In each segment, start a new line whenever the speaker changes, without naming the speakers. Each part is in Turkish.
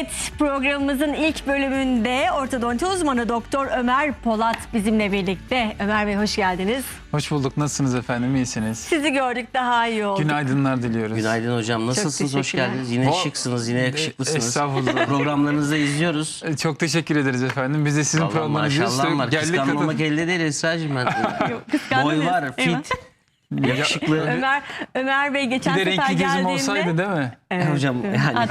Evet, programımızın ilk bölümünde ortodonti uzmanı Doktor Ömer Polat bizimle birlikte. Ömer Bey hoş geldiniz.
Hoş bulduk. Nasılsınız efendim? İyisiniz?
Sizi gördük, daha iyi olduk.
Günaydınlar diliyoruz.
Günaydın hocam. Nasılsınız? Hoş
teşekkürler.
geldiniz. Yine şıksınız, yine yakışıklısınız.
Estağfurullah.
Programlarınızı izliyoruz.
Çok teşekkür ederiz efendim. Biz de sizin
Vallahi
programlarınızı
maşallah var.
geldik
Kıskanmamak elde değil Esra'cığım ben.
Kıskandınız.
Boy var,
Eyvah.
fit, yakışıklı.
Ömer Bey geçen
Bir de
sefer
renkli gözüm
geldiğinde...
olsaydı değil mi?
Evet,
Hocam
evet.
yani.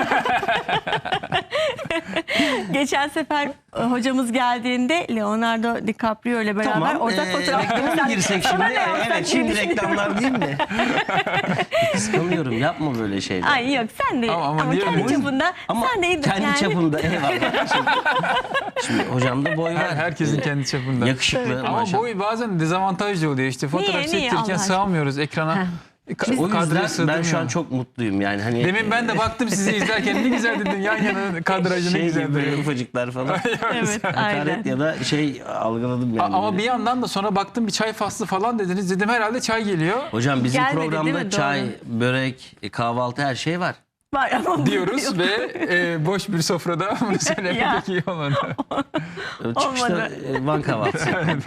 Geçen sefer hocamız geldiğinde Leonardo DiCaprio ile beraber
Tamam.
ortak fotoğraf
Reklama mı girsek şimdi?
ne yapsak
Evet, şimdi
diye
reklamlar değil mi? Kıskanıyorum. Yapma böyle şeyler.
Ay yok, sen de
Ama
ama
niye
kendi
öyle?
çapında
Ama
sen de
kendi
yani...
çapımda eyvallah. Şimdi hocamda boy var.
Herkesin kendi çapında.
Yakışıklı
Evet.
Ama
maşallah.
boy bazen dezavantajlı oluyor işte. Fotoğraf
Niye Allah
çektirirken
aşkına?
sığamıyoruz ekrana.
O
Kadraja
yüzden ben
sığdırmıyor.
şu an çok mutluyum yani. Hani
Demin ben de baktım sizi izlerken ne güzel dedin yan yana kadrajı ne
şey
güzel
gibi böyle
dedin.
ufacıklar falan.
Evet, aynen.
Hakaret ya da şey algıladım yani.
Ama
böyle.
bir yandan da sonra baktım bir çay faslı falan dediniz. Dedim herhalde çay geliyor
Hocam bizim
Gelmedi, değil
programda
mi?
çay,
Doğru.
börek, kahvaltı her şey var.
Var ama
diyoruz ve boş bir sofrada bunu söylemek
Ya.
iyi olmadı.
Çıkışta Van kahvaltısı.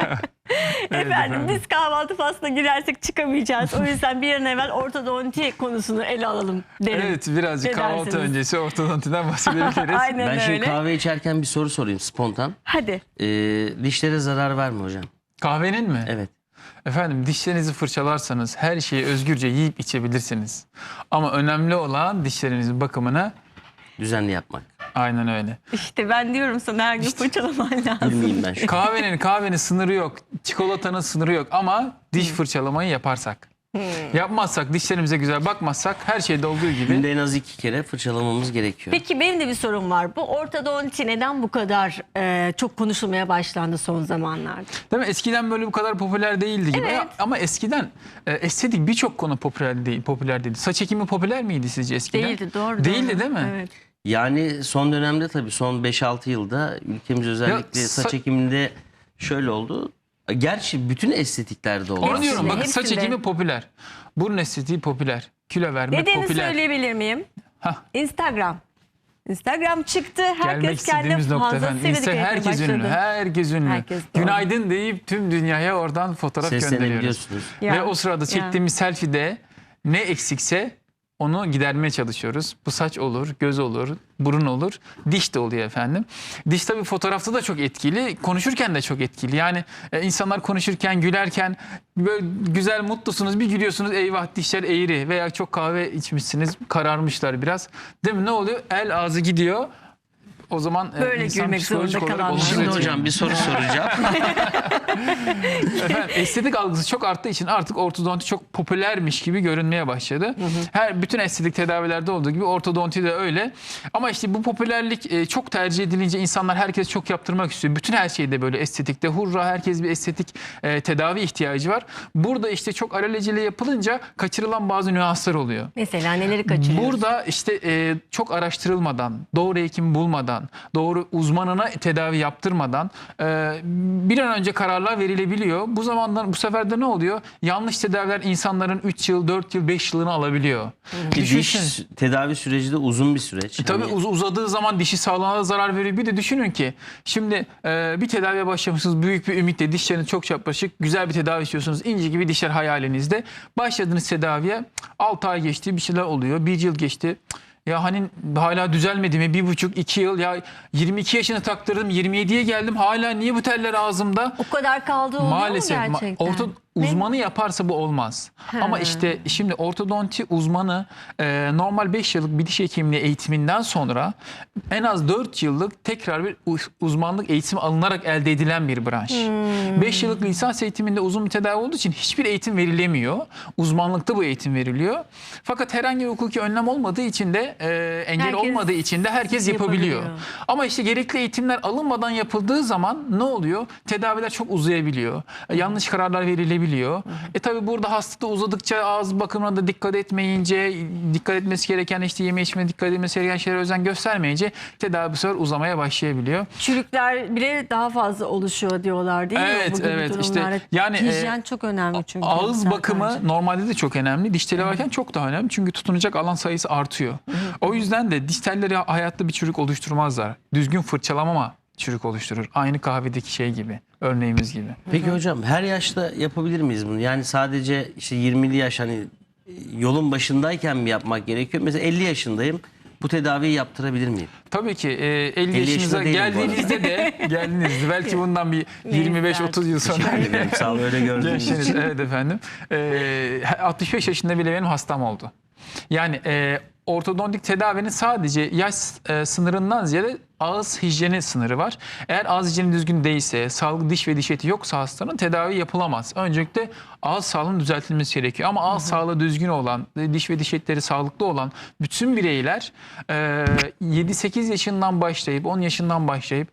efendim biz kahvaltı faslına girersek çıkamayacağız. O yüzden bir an evvel ortodonti konusunu ele alalım derim.
Evet, birazcık
Ne
kahvaltı
dersiniz?
öncesi ortodontiden bahsedebiliriz.
Aynen
Ben şimdi
öyle.
kahve içerken bir soru sorayım spontan.
Hadi.
Dişlere zarar var mı hocam?
Kahvenin mi?
Evet.
Efendim dişlerinizi fırçalarsanız her şeyi özgürce yiyip içebilirsiniz. Ama önemli olan dişlerinizin bakımına
Düzenli yapmak.
aynen öyle.
İşte ben diyorum sana her gün fırçalaman lazım.
Bilmeyeyim ben şu.
Kahvenin sınırı yok. Çikolatanın sınırı yok ama diş fırçalamayı yaparsak. Yapmazsak, dişlerimize güzel bakmazsak her şeyde olduğu gibi.
Günde en az 2 kere fırçalamamız gerekiyor.
Peki benim de bir sorum var. Bu ortodonti neden bu kadar çok konuşulmaya başlandı son zamanlarda?
Değil mi? Eskiden böyle bu kadar popüler değildi gibi.
Evet.
Ama eskiden estetik birçok konu popüler değildi. Saç ekimi popüler miydi sizce eskiden?
Değildi, doğru.
Değildi
doğru.
değil mi?
Evet.
Yani son dönemde tabii son 5-6 yılda ülkemiz özellikle
Ya,
saç ekiminde şöyle oldu. Gerçi bütün estetiklerde oldu.
Onu diyorum,
Hepsinde,
bakın saç
hepsinde.
ekimi popüler. Burun estetiği popüler. Kilo vermek
Nedenini
popüler.
söyleyebilir miyim?
Hah.
Instagram. Instagram çıktı.
Gelmek
Herkes kendi
istediğimiz nokta efendim.
fazlasıyla dikkat etmeye
Herkes
başladı.
ünlü. Herkes ünlü.
Herkes, doğru.
Günaydın deyip tüm dünyaya oradan fotoğraf gönderiyoruz.
Seslenebiliyorsunuz.
Ya,
Ve o sırada
ya.
çektiğimiz selfie'de ne eksikse onu gidermeye çalışıyoruz. Bu saç olur, göz olur, burun olur, diş de oluyor efendim. Diş tabii fotoğrafta da çok etkili, konuşurken de çok etkili. Yani insanlar konuşurken, gülerken böyle güzel, mutlusunuz, bir gülüyorsunuz, eyvah dişler eğri veya çok kahve içmişsiniz, kararmışlar biraz. Değil mi? Ne oluyor? El ağzı gidiyor. O zaman
Böyle
insan
gülmek
psikolojik
zorunda
olarak
kalanlar.
olumsuz
Şimdi
etkileniyor.
hocam bir soru soracağım.
Efendim, estetik algısı çok arttığı için artık ortodonti çok popülermiş gibi görünmeye başladı. Bütün estetik tedavilerde olduğu gibi ortodonti de öyle. Ama işte bu popülerlik çok tercih edilince insanlar herkes çok yaptırmak istiyor. Bütün her şeyde böyle estetikte hurra, herkes bir estetik tedavi ihtiyacı var. Burada işte çok alelacele yapılınca kaçırılan bazı nüanslar oluyor.
Mesela neleri kaçırıyoruz?
Burada işte çok araştırılmadan, doğru hekim bulmadan, doğru uzmanına tedavi yaptırmadan bir an önce kararlar verilebiliyor. Bu sefer de ne oluyor? Yanlış tedaviler insanların 3 yıl, 4 yıl, 5 yılını alabiliyor.
Diş tedavi süreci de uzun bir süreç.
Tabii
Hani
uzadığı zaman dişi sağlığına da zarar veriyor. Bir de düşünün ki şimdi bir tedaviye başlamışsınız büyük bir ümitle, dişleriniz çok çapraşık, güzel bir tedavi istiyorsunuz. İnci gibi dişler hayalinizde. Başladınız tedaviye, 6 ay geçti, bir şeyler oluyor, 1 yıl geçti. Ya hani hala düzelmedi mi? 1,5-2 yıl. Ya 22 yaşını taktırdım, 27'ye geldim. Hala niye bu teller ağzımda?
O kadar kaldı oluyor
Maalesef
mu gerçekten?
uzmanı yaparsa bu olmaz. Ama işte şimdi ortodonti uzmanı normal 5 yıllık bir diş hekimliği eğitiminden sonra en az 4 yıllık tekrar bir uzmanlık eğitimi alınarak elde edilen bir branş. 5 yıllık lisans eğitiminde uzun bir tedavi olduğu için hiçbir eğitim verilemiyor. Uzmanlıkta bu eğitim veriliyor. Fakat herhangi bir hukuki önlem olmadığı için de engel
Herkes
olmadığı için de herkes yapabiliyor. Ama işte gerekli eğitimler alınmadan yapıldığı zaman ne oluyor? Tedaviler çok uzayabiliyor. Yanlış kararlar verilebiliyor. olabiliyor. Tabii burada hasta da uzadıkça ağız bakımına da dikkat etmeyince, dikkat etmesi gereken işte yeme içme dikkat etmesi gereken şeylere özen göstermeyince tedavi bu sefer uzamaya başlayabiliyor.
Çürükler bile daha fazla oluşuyor diyorlar değil mi?
Evet,
Bu gibi
evet. İşte
durumlarda.
yani,
hijyen çok önemli çünkü.
Ağız bakımı
Serkan'cığım.
normalde de çok önemli. Diş teli varken çok daha önemli. Çünkü tutunacak alan sayısı artıyor. O yüzden de diş telleri hayatta bir çürük oluşturmazlar. Düzgün fırçalamama çürük oluşturur. Aynı kahvedeki şey gibi. Örneğimiz gibi.
Peki hocam her yaşta yapabilir miyiz bunu? Yani sadece işte 20'li yaş hani yolun başındayken mi yapmak gerekiyor? Mesela 50 yaşındayım. Bu tedaviyi yaptırabilir miyim?
Tabii ki 50 yaşınıza
yaşında değilim bu arada.
geldiğinizde belki bundan bir 25-30 yıl sonra
Teşekkür ederim. Sağ olun, öyle gördüğünüz
gençseniz,
için.
evet efendim. 65 yaşında bile benim hastam oldu. Yani ortodontik tedavinin sadece yaş sınırından ziyade ağız hijyeni sınırı var. Eğer ağız hijyeni düzgün değilse, sağlıklı diş ve diş eti yoksa hastanın tedavi yapılamaz. Öncelikle ağız sağlığının düzeltilmesi gerekiyor. Ama ağız sağlığı düzgün olan, diş ve diş etleri sağlıklı olan bütün bireyler 7-8 yaşından başlayıp 10 yaşından başlayıp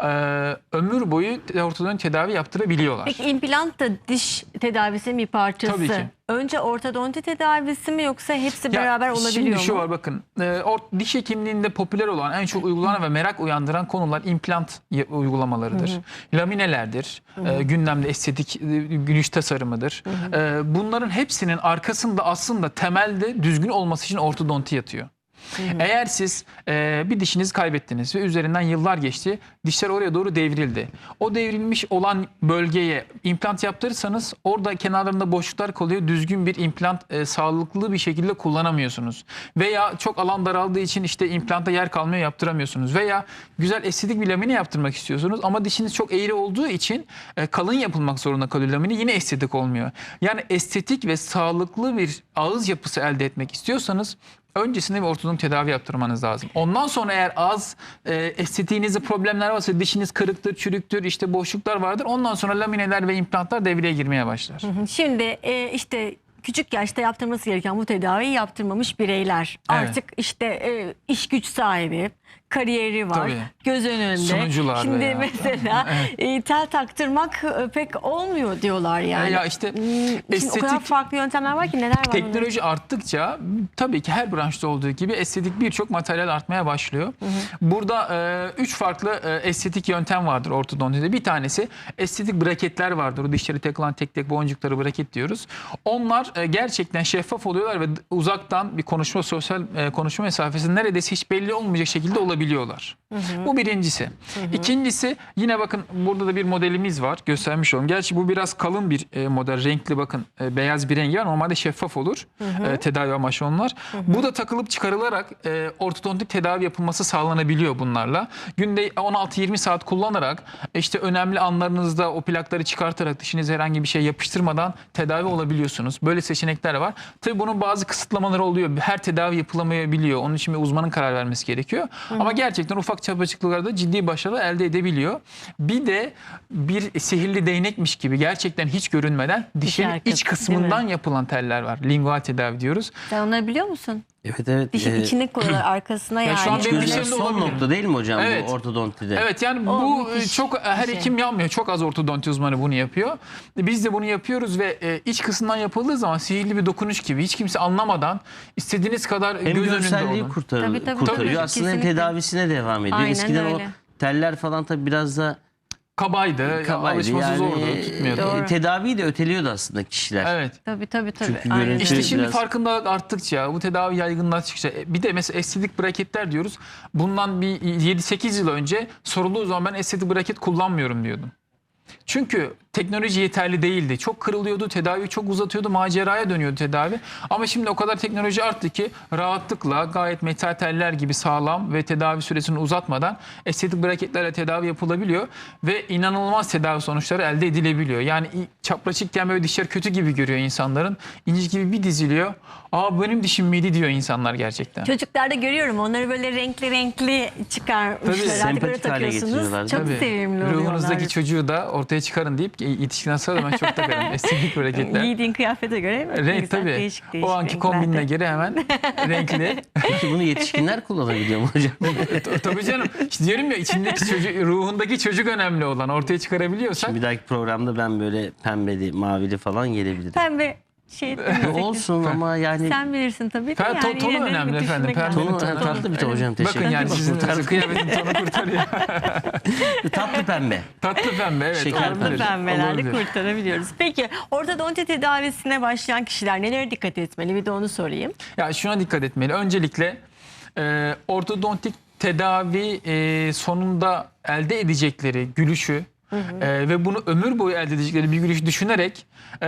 ömür boyu ortodontik tedavi yaptırabiliyorlar.
Peki implant da diş tedavisinin bir parçası.
Tabii ki.
Önce ortodonti tedavisi mi yoksa hepsi
Ya
beraber olabiliyor
şimdi
mu?
şu var bakın. Diş hekimliğinde popüler olan en çok uygulanan ve merak uyandıran konular implant uygulamalarıdır. Laminelerdir. Gündemde estetik gülüş tasarımıdır. Bunların hepsinin arkasında aslında temelde düzgün olması için ortodonti yatıyor. Eğer siz bir dişinizi kaybettiniz ve üzerinden yıllar geçti, dişler oraya doğru devrildi. O devrilmiş olan bölgeye implant yaptırırsanız orada kenarlarında boşluklar kalıyor. Düzgün bir implant sağlıklı bir şekilde kullanamıyorsunuz. Veya çok alan daraldığı için işte implanta yer kalmıyor, yaptıramıyorsunuz. Veya güzel estetik bir lamine yaptırmak istiyorsunuz ama dişiniz çok eğri olduğu için kalın yapılmak zorunda kalıyor lamine. Yine estetik olmuyor. Yani estetik ve sağlıklı bir ağız yapısı elde etmek istiyorsanız öncesinde bir ortodontik tedavi yaptırmanız lazım. Ondan sonra eğer ağız estetiğinizde problemler varsa, dişiniz kırıktır, çürüktür, işte boşluklar vardır. Ondan sonra lamineler ve implantlar devreye girmeye başlar.
Şimdi işte küçük yaşta yaptırması gereken bu tedaviyi yaptırmamış bireyler.
Evet.
Artık işte iş güç sahibi, kariyeri var,
Tabii.
göz önünde.
Sunucular
Şimdi
veya.
mesela tel taktırmak pek olmuyor diyorlar yani.
Ya işte
Şimdi o kadar farklı yöntemler var ki, neler var?
teknoloji arttıkça tabii ki her branşta olduğu gibi estetik birçok materyal artmaya başlıyor. Burada 3 farklı estetik yöntem vardır ortodontide. Bir tanesi estetik braketler vardır. O dişleri takılan tek tek boncukları braket diyoruz. Onlar gerçekten şeffaf oluyorlar ve uzaktan bir sosyal konuşma mesafesi neredeyse hiç belli olmayacak şekilde olabiliyorlar. Bu birincisi. İkincisi, yine bakın burada da bir modelimiz var. Göstermiş olalım. Gerçi bu biraz kalın bir model. Renkli, bakın beyaz bir rengi var. Normalde şeffaf olur. Tedavi amaçlı onlar. Bu da takılıp çıkarılarak ortodontik tedavi yapılması sağlanabiliyor bunlarla. Günde 16-20 saat kullanarak işte önemli anlarınızda o plakları çıkartarak dişinize herhangi bir şey yapıştırmadan tedavi olabiliyorsunuz. Böyle seçenekler var. Tabii bunun bazı kısıtlamaları oluyor. Her tedavi yapılamayabiliyor. Onun için bir uzmanın karar vermesi gerekiyor. Ama gerçekten ufak çapaçıklıklarda ciddi başarılar elde edebiliyor. Bir de bir sihirli değnekmiş gibi gerçekten hiç görünmeden dişin
arkası,
iç kısmından yapılan teller var. Lingual tedavi diyoruz.
Sen onları biliyor musun?
Evet.
Dişin içine koyuyorlar, arkasına yani.
şu an benim
Görünen
dişlerimde
son
olabilir.
nokta değil mi hocam
Evet.
bu ortodontide?
Evet, yani
O
bu
müthiş
çok her
bir şey.
hekim yapmıyor. Çok az ortodonti uzmanı bunu yapıyor. Biz de bunu yapıyoruz ve iç kısımdan yapıldığı zaman sihirli bir dokunuş gibi hiç kimse anlamadan istediğiniz kadar
Hem
göz önünde
görselliği
olun.
Tabii, tabii.
kurtarıyor.
Tabii,
Aslında hem
kesinlikle.
tedavisine devam ediyor.
Aynen
Eskiden
öyle.
o teller falan tabii biraz da
Kabaydı, alışması zordu, tutmuyordu.
Doğru.
tedaviyi de öteliyordu aslında kişiler.
Evet.
Tabii.
Çünkü
Aynen.
görüntü-
İşte şimdi
biraz-
farkındalık arttıkça, bu tedavi yaygınlaştıkça, bir de mesela estetik braketler diyoruz. Bundan bir 7-8 yıl önce sorulduğu zaman ben estetik braket kullanmıyorum diyordum. Çünkü teknoloji yeterli değildi. Çok kırılıyordu, tedavi çok uzatıyordu, maceraya dönüyordu tedavi. Ama şimdi o kadar teknoloji arttı ki rahatlıkla gayet metal teller gibi sağlam ve tedavi süresini uzatmadan estetik braketlerle tedavi yapılabiliyor ve inanılmaz tedavi sonuçları elde edilebiliyor. Yani çapraşıkken böyle dişler kötü gibi görüyor insanların. İnci gibi bir diziliyor. Aa, benim dişim miydi diyor insanlar gerçekten.
Çocuklarda görüyorum, onları böyle renkli çıkarmışlar.
Tabii,
Artık öyle
sempatik hale
takıyorsunuz.
getiriyorlar.
Çok
Tabii.
sevimli oluyorlar.
Ruhunuzdaki çocuğu da ortaya çıkarın deyip yetişkin sonra da ben çok takarım. Estetik hareketler.
Giydiğin kıyafete göre ne
Renk
güzel,
tabii.
değişik
O anki
renklerde.
kombinine göre hemen renkli.
Peki bunu yetişkinler kullanabiliyor mu hocam?
Tabii canım. İşte diyorum ya, içindeki çocuk, ruhundaki çocuk önemli olan. Ortaya çıkarabiliyorsak.
Bir dahaki programda ben böyle pembeli, mavili falan gelebilirim.
Pembe şey
Olsun ama yani
sen bilirsin tabii de
Tonu
yani yine de
önemli
bir
efendim.
düşünmek
Pembe
lazım.
tonu tatlı bir ton hocam, teşekkür
Bakın yani
ederim.
sizin
Kurtardı.
kıyafetin tonu kurtarıyor.
tatlı pembe.
Tatlı pembe, evet.
Şeker
olabilir.
Tatlı pembelerle
Olabilir.
kurtarabiliyoruz. Peki ortodonti tedavisine başlayan kişiler nelere dikkat etmeli? Bir de onu sorayım.
Ya şuna dikkat etmeli. Öncelikle ortodontik tedavi sonunda elde edecekleri gülüşü ve bunu ömür boyu elde edecekleri bir gülüş düşünerek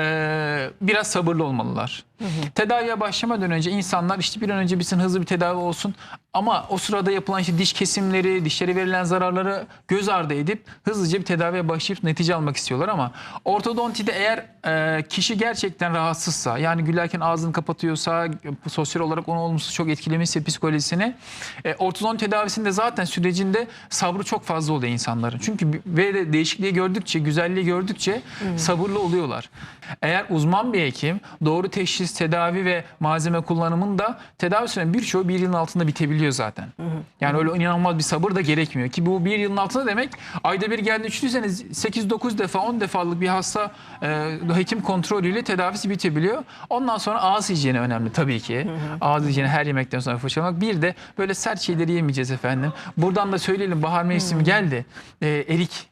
biraz sabırlı olmalılar. Tedaviye başlamadan önce insanlar işte bir an önce bitsin, hızlı bir tedavi olsun, ama o sırada yapılan işte diş kesimleri, dişlere verilen zararları göz ardı edip hızlıca bir tedaviye başlayıp netice almak istiyorlar. Ama ortodontide eğer kişi gerçekten rahatsızsa, yani gülerken ağzını kapatıyorsa, sosyal olarak onu olumsuz çok etkilemişse psikolojisini, ortodont tedavisinde zaten sürecinde sabrı çok fazla oluyor insanların. Çünkü ve de değişikliği gördükçe, güzelliği gördükçe sabırlı oluyorlar. Eğer uzman bir hekim doğru teşhis, tedavi ve malzeme kullanımında tedavi sürenin birçoğu bir yılın altında bitebiliyor zaten. Yani öyle inanılmaz bir sabır da gerekmiyor ki bu bir yılın altında demek, ayda bir geldi düşünseniz 8-9 defa 10 defalık bir hasta hekim kontrolüyle tedavisi bitebiliyor. Ondan sonra ağız hijyeni önemli tabii ki. Ağız hijyeni, her yemekten sonra fırçalamak. Bir de böyle sert şeyleri yemeyeceğiz efendim. Buradan da söyleyelim, bahar mevsimi geldi. Erik.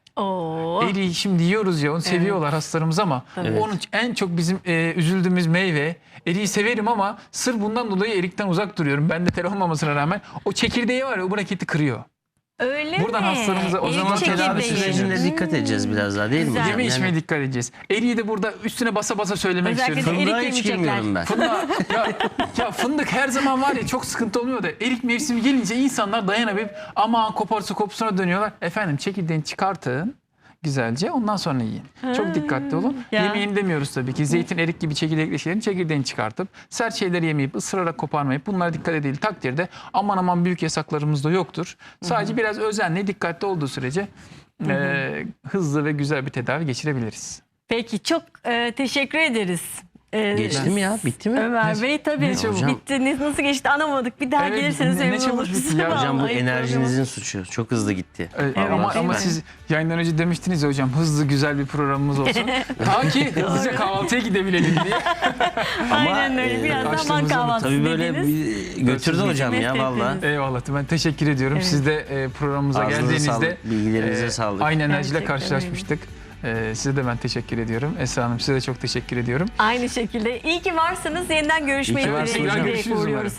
Oo.
Eriği şimdi yiyoruz ya, onu seviyorlar hastalarımız ama
Evet.
onun en çok bizim üzüldüğümüz meyve. Eriği severim ama sırf bundan dolayı erikten uzak duruyorum. Bende tel olmamasına rağmen o çekirdeği var ya, o braketi kırıyor.
Öyle
Buradan
mi?
hastalarımıza o
İlk
zaman
tedavi
çekirdeği.
sürecinde dikkat edeceğiz biraz daha, değil mi
Güzel.
hocam?
Yeme içmeye dikkat edeceğiz. Eriği de burada üstüne basa basa söylemek
Özellikle
istiyorum.
de
Fındığa
erik
hiç
yemeyecekler.
girmiyorum ben.
Fındık, ya fındık her zaman var ya, çok sıkıntı olmuyor da erik mevsimi gelince insanlar dayanamayıp aman koparsa kopsuna dönüyorlar. Efendim çekirdeğini çıkartın güzelce, ondan sonra yiyin. Çok dikkatli olun.
Ya.
Yemeyin demiyoruz tabii ki. Zeytin, erik gibi çekirdekli şeylerin çekirdeğini çıkartıp sert şeyleri yemeyip ısırarak koparmayıp bunlara dikkat edildiği takdirde aman aman büyük yasaklarımız da yoktur. Sadece biraz özenle, dikkatli olduğu sürece hızlı ve güzel bir tedavi geçirebiliriz.
Peki çok teşekkür ederiz.
Geçti mi ya? Bitti mi?
Ömer Bey tabii
ne çabuk.
bitti. Nasıl geçti anlamadık. Bir daha
Evet,
gelirseniz
ne
memnun
çabuk
oluruz.
bitti ya.
Hocam bu
Vallahi
enerjinizin suçu. Çok hızlı gitti.
Ama
değil mi?
siz yayından önce demiştiniz ya hocam, hızlı güzel bir programımız olsun. Ta ki hızlıca kahvaltıya gidebilelim diye.
Aynen öyle. Biraz zaman
açtığımızda
kahvaltısı
Tabii böyle
dediniz.
bir götürdü hocam ya
Hizmet
valla.
ettiniz.
Eyvallah. Ben teşekkür ediyorum. Siz de programımıza
Ağzınıza
geldiğinizde
sağlık, bilgilerinize sağlık.
aynı enerjiyle
Gerçekten
karşılaşmıştık. Size de ben teşekkür ediyorum. Esra Hanım, size de çok teşekkür ediyorum.
Aynı şekilde. İyi ki varsınız. Yeniden görüşmeyi
İyi ki varsınız hocam.
Görüşürüz umarım.
uğurluyoruz.